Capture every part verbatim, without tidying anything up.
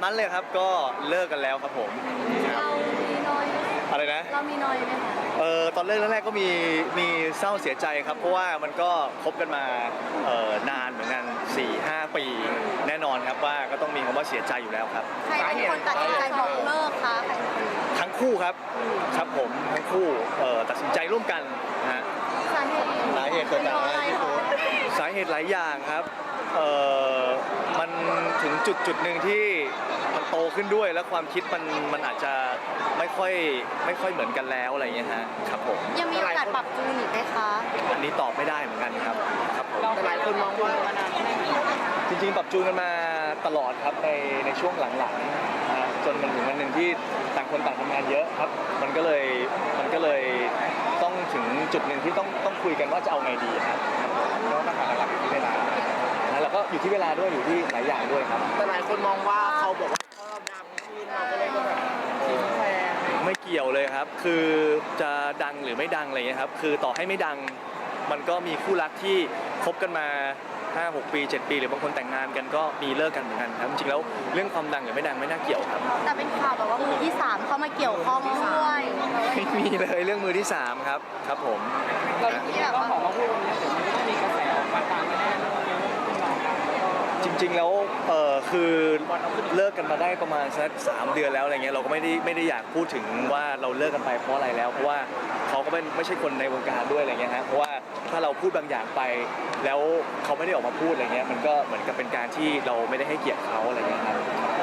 นั้นเลยครับก็เลิกกันแล้วครับผมเรามีน้อยไหมอะไรนะเรามีน้อยไหมคะเออตอนเลิกแรกๆก็มีมีเศร้าเสียใจครับเพราะว่ามันก็คบกันมาเออนานเหมือนกัน สี่ห้า ปีแน่นอนครับว่าก็ต้องมีคำว่าเสียใจอยู่แล้วครับใครเป็นคนตัดสินใจบอกเลิกคะใครเป็นคนทั้งคู่ครับครับผมทั้งคู่เอ่อตัดสินใจร่วมกันนะฮะสาเหตุสาเหตุเกิดจากอะไรพี่ตูนสาเหตุหลายอย่างครับเอ่อมันถึงจุดจุดหนึ่งที่มันโตขึ้นด้วยแล้วความคิดมันมันอาจจะไม่ค่อยไม่ค่อยเหมือนกันแล้วอะไรอย่างเงี้ยฮะครับผมยังมีโอกาสปรับจูนอีกไหมคะอันนี้ตอบไม่ได้เหมือนกันครับครับผมหลายคนมองว่าจริงๆปรับจูนกันมาตลอดครับในในช่วงหลังๆนะจนมันถึงวันหนึ่งที่ต่างคนต่างทำงานเยอะครับมันก็เลยมันก็เลยต้องถึงจุดหนึ่งที่ต้องต้องคุยกันว่าจะเอาไงดีครับแล้วปัญหาหลักๆอยู่ที่เวลานะแล้วก็อยู่ที่เวลาด้วยอยู่ที่หลายอย่างด้วยครับแต่หลายคนมองว่าเขาบอกว่าเพราะเราดังขึ้นเราก็เลยแบบทิ้งแฟนไม่เกี่ยวเลยครับคือจะดังหรือไม่ดังอะไรเงี้ยครับคือต่อให้ไม่ดังมันก็มีคู่รักที่คบกันมาห้า หก ปี เจ็ด ปีหรือบางคนแต่งงานกันก็มีเลิกกันเหมือนกันครับจริงๆแล้วเรื่องความดังหรือไม่ดังไม่น่าเกี่ยวครับแต่เป็นข่าวแบบว่ามือที่สามเข้ามาเกี่ยวข้องด้วยไม่มีเลยเรื่องมือที่สามครับครับผมที่แบบว่ามีกระแสมาตามกันแน่จริงๆแล้วเออคือเลิกกันมาได้ประมาณสักสามเดือนแล้วอะไรเงี้ยเราก็ไม่ได้ไม่ได้อยากพูดถึงว่าเราเลิกกันไปเพราะอะไรแล้วเพราะว่าเขาก็เป็นไม่ใช่คนในวงการด้วยอะไรเงี้ยฮะเพราะว่าถ้าเราพูดบางอย่างไปแล้วเขาไม่ได้ออกมาพูดอะไรเงี้ยมันก็เหมือนกับเป็นการที่เราไม่ได้ให้เกียรติเขาอะไรเงี้ยครับ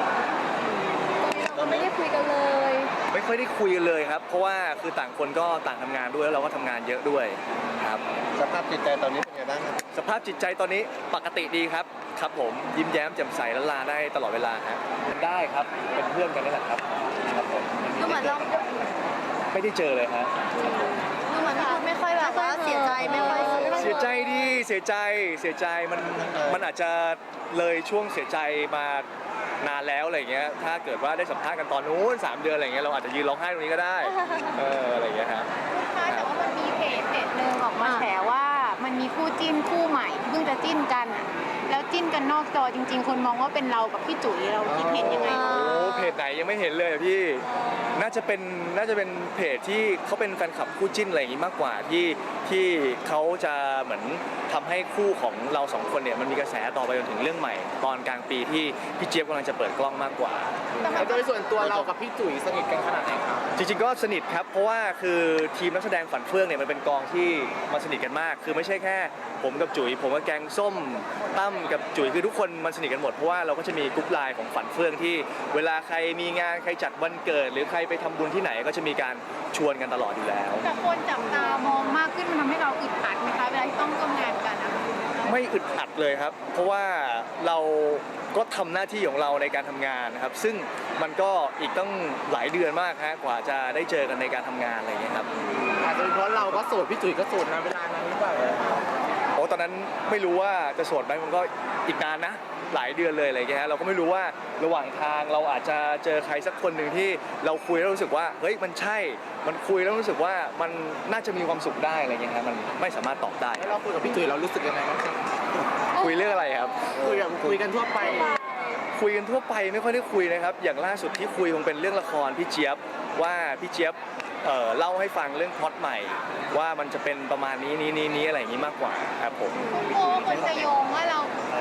เราไม่ได้คุยกันเลยไม่ค่อยได้คุยกันเลยครับเพราะว่าคือต่างคนก็ต่างทำงานด้วยแล้วเราก็ทำงานเยอะด้วยครับสภาพจิตใจตอนนี้เป็นไงบ้างครับสภาพจิตใจตอนนี้ปกติดีครับครับผมยิ้มแย้มแจ่มใสและลาได้ตลอดเวลาฮะได้ครับเป็นเพื่อนกันนี่แหละครับครับผมดูเหมือนเราไม่ได้เจอเลยฮะดูเหมือนพี่พูดไม่ค่อยแบบว่าเสียใจไม่ค่อยเสียใจดิเสียใจเสียใจมันมันอาจจะเลยช่วงเสียใจมานานแล้วอะไรเงี้ยถ้าเกิดว่าได้สัมภาษณ์กันตอนนู้นสามเดือนอะไรเงี้ยเราอาจจะยืนร้องไห้ตรงนี้ก็ได้เอออะไรเงี้ยครับแต่ว่ามันมีเพจเพจหนึ่งออกมาแฉว่ามันมีคู่จิ้นคู่ใหม่เพิ่งจะจิ้นกันอ่ะแล้วจิ้นกันนอกจอจริงๆคนมองว่าเป็นเรากับพี่จุ๋ยเราคิดเห็นยังไงโอ้เพจไหนยังไม่เห็นเลยอะพี่น่าจะเป็นน่าจะเป็นเพจที่เขาเป็นแฟนคลับคู่จิ้นอะไรอย่างงี้มากกว่าที่ที่เขาจะเหมือนทำให้คู่ของเราสองคนเนี่ยมันมีกระแสต่อไปจนถึงเรื่องใหม่ตอนกลางปีที่พี่เจี๊ยบกำลังจะเปิดกล้องมากกว่าแต่โดยส่วนตัวเรากับพี่จุ๋ยสนิทกันขนาดไหนครับจริงๆก็สนิทครับเพราะว่าคือทีมนักแสดงฝันเฟื่องเนี่ยมันเป็นกองที่มาสนิทกันมากคือไม่ใช่แค่ผมกับจุ๋ยผมกับแกงส้มตั้มกับจุ๋ยคือทุกคนมันสนิทกันหมดเพราะว่าเราก็จะมีกรุ๊ปไลน์ของฝันเฟื่องที่เวลาใครมีงานใครจัดวันเกิดหรือใครไปทำบุญที่ไหนก็จะมีการชวนกันตลอดอยู่แล้วแต่คนจับตามองมากขึ้นมันทำให้เราอึดอัดไหมคะเวลาที่ต้องร่วมงานกันนะไม่อึดอัดเลยครับเพราะว่าเราก็ทำหน้าที่ของเราในการทำงานนะครับซึ่งมันก็อีกต้องหลายเดือนมากฮะกว่าจะได้เจอกันในการทำงานอะไรอย่างเงี้ยครับอาจจะเป็นเพราะเราก็โสดพี่จุ๋ยก็โสดนะเวลานั้นหรือเปล่าโอ้ตอนนั้นไม่รู้ว่าจะโสดไหมมันก็อีกนานนะหลายเดือนเลยอะไรอย่างเงี้ยเราก็ไม่รู้ว่าระหว่างทางเราอาจจะเจอใครสักคนหนึ่งที่เราคุยแล้วรู้สึกว่าเฮ้ยมันใช่มันคุยแล้วรู้สึกว่ามันน่าจะมีความสุขได้อะไรเงี้ยครับมันไม่สามารถตอบได้แล้วเราคุยกับพี่จุ๋ยเรารู้สึกยังไงบ้างครับคุยเรื่องอะไรครับคุยแบบคุยกันทั่วไปคุยกันทั่วไปไม่ค่อยได้คุยนะครับอย่างล่าสุดที่คุยคงเป็นเรื่องละครพี่เจี๊ยบว่าพี่เจี๊ยบเอ่อเล่าให้ฟังเรื่องพล็อตใหม่ว่ามันจะเป็นประมาณนี้นี้นี้นี้อะไรอย่างนี้มากกว่าครับผมโอ้คนจะโยงว่าเรา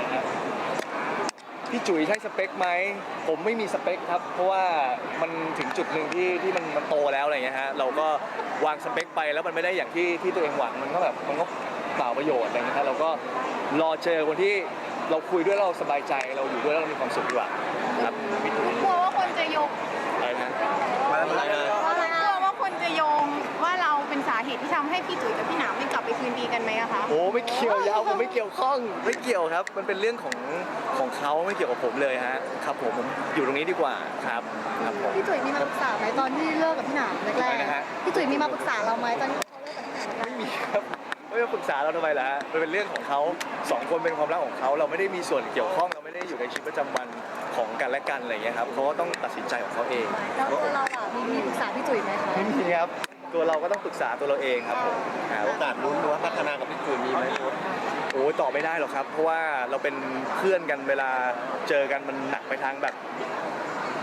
พี่จุ๋ยใช่สเปคไหมผมไม่มีสเปคครับเพราะว่ามันถึงจุดหนึ่งที่ที่มันมันโตแล้วอะไรเงี้ยฮะเราก็วางสเปคไปแล้วมันไม่ได้อย่างที่ที่ตัวเองหวังมันก็แบบมันก็เปล่าประโยชน์อะไรเงี้ยฮะเราก็รอเจอคนที่เราคุยด้วยเราสบายใจเราอยู่ด้วยแล้วเรามีความสุขดีกว่าครับกลัวว่าคนจะโยงอะไรนะมาอะไรนะกลัวว่าคนจะโยงว่าเราเป็นสาเหตุที่ทำให้พี่จุ๋ยกับพี่หนามไม่กลับไปคืนดีกันไหมอะคะโอ้ไม่เกี่ยวยาวผมไม่เกี่ยวข้องไม่เกี่ยวครับมันเป็นเรื่องของของเขาไม่เกี่ยวกับผมเลยฮะครับผมผมอยู่ตรงนี้ดีกว่าครับครับผมพี่จุ๋ยมีมาปรึกษาไหมตอนที่เลิกกับพี่หนามแรกๆพี่จุ๋ยมีมาปรึกษาเราไหมตอนที่เขาเลิกกับพี่หนามไม่มีครับไม่มาปรึกษาเราทำไมล่ะฮะมันเป็นเรื่องของเขาสองคนเป็นความรักของเขาเราไม่ได้มีส่วนเกี่ยวข้องเราไม่ได้อยู่ในชีวิตประจำวันของกันและกันอะไรอย่างเงี้ยครับเขาก็ต้องตัดสินใจของเขาเองแล้วตัวเราอ่ะมีมีปรึกษาพี่จุ๋ยไหมคะไม่มีครับตัวเราก็ต้องปรึกษาตัวเราเองครับผมโอกาสลุ้นหรือว่าพัฒนากับพี่จุ๋ยมีไหมโอ้ตอบไม่ได้หรอกครับเพราะว่าเราเป็นเพื่อนกันเวลาเจอกันมันหนักไปทางแบบ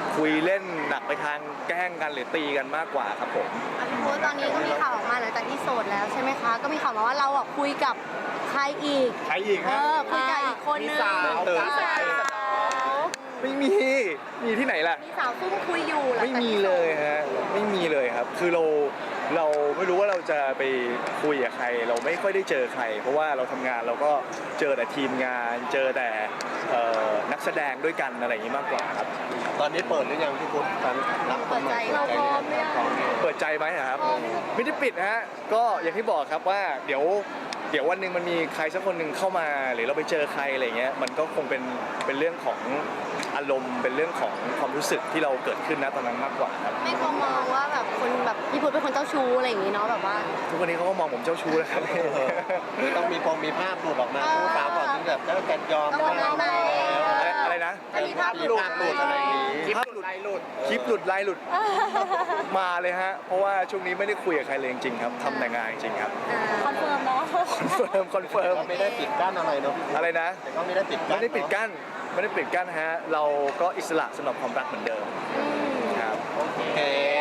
คุยเล่นหนักไปทางแกล้งกันหรือตีกันมากกว่าครับผมอ่ะพี่พุธตอนนี้ก็มีข่าวออกมาหลังจากที่โสดแล้วใช่ไหมคะ ก็มีข่าวมาว่าเราอ่ะคุยกับใครอีกใครอีกเอฮะอคุยกับอีกคนนึงมีสาวเติมมีสาวไม่มี มีที่ไหนล่ะมีสาวซุ่มคุยอยู่หลังไม่จากมีที่โสดเลยฮะ ไม่มีเลยครับ คือเรา เราไม่รู้ว่าเราจะไปคุยกับใคร เราไม่ค่อยได้เจอใคร เพราะว่าเราทำงานเราก็เจอแต่ทีมงาน เจอแต่เอ่อนักแสดงด้วยกันอะไรอย่างนี้มากกว่าครับตอนนี้เปิดหรือยังพี่พุทธตอนรับคนใหม่เราพร้อมหรือยังพร้อมเนี่ยเปิดใจไหมครับ ไม่ได้ปิดฮะ ก็อย่างที่บอกครับว่าเดี๋ยวเดี๋ยววันหนึ่งมันมีใครสักคนหนึ่งเข้ามา หรือเราไปเจอใครอะไรเงี้ย มันก็คงเป็นเป็นเรื่องของอารมณ์ เป็นเรื่องของความรู้สึกที่เราเกิดขึ้นนะตอนนั้นมากกว่าครับไม่กลัวมองว่าแบบคนแบบพี่พุธเป็นคนเจ้าชู้อะไรอย่างงี้เนาะแบบว่าทุกวันนี้เขาก็มองผมเจ้าชู้แล้วครับต้องมีพงมีภาพหลุดออกมาคู่สาวก่อนที่แบบจะกันยอมต้องยอมแล้แล้วอะไรอะไรนะจะมีภาพหลุดภาพหลุดอะไรอย่างนี้ภาพหลุดลายหลุด คลิปหลุดลายหลุด มาเลยฮะ เพราะว่าช่วงนี้ไม่ได้คุยกับใครเลยจริงๆครับทำแต่งานจริงๆครับคอนเฟิร์มเนาะคอนเฟิร์ม คอนเฟิร์มก็ไม่ได้ปิดกั้นอะไรเนาะพี่พุทธอะไรนะแต่ก็ไม่ได้ปิดกั้นไม่ได้ปิดกั้น ไม่ได้ปิดกั้นฮะ เราก็อิสระสำหรับความรักเหมือนเดิมครับโอเค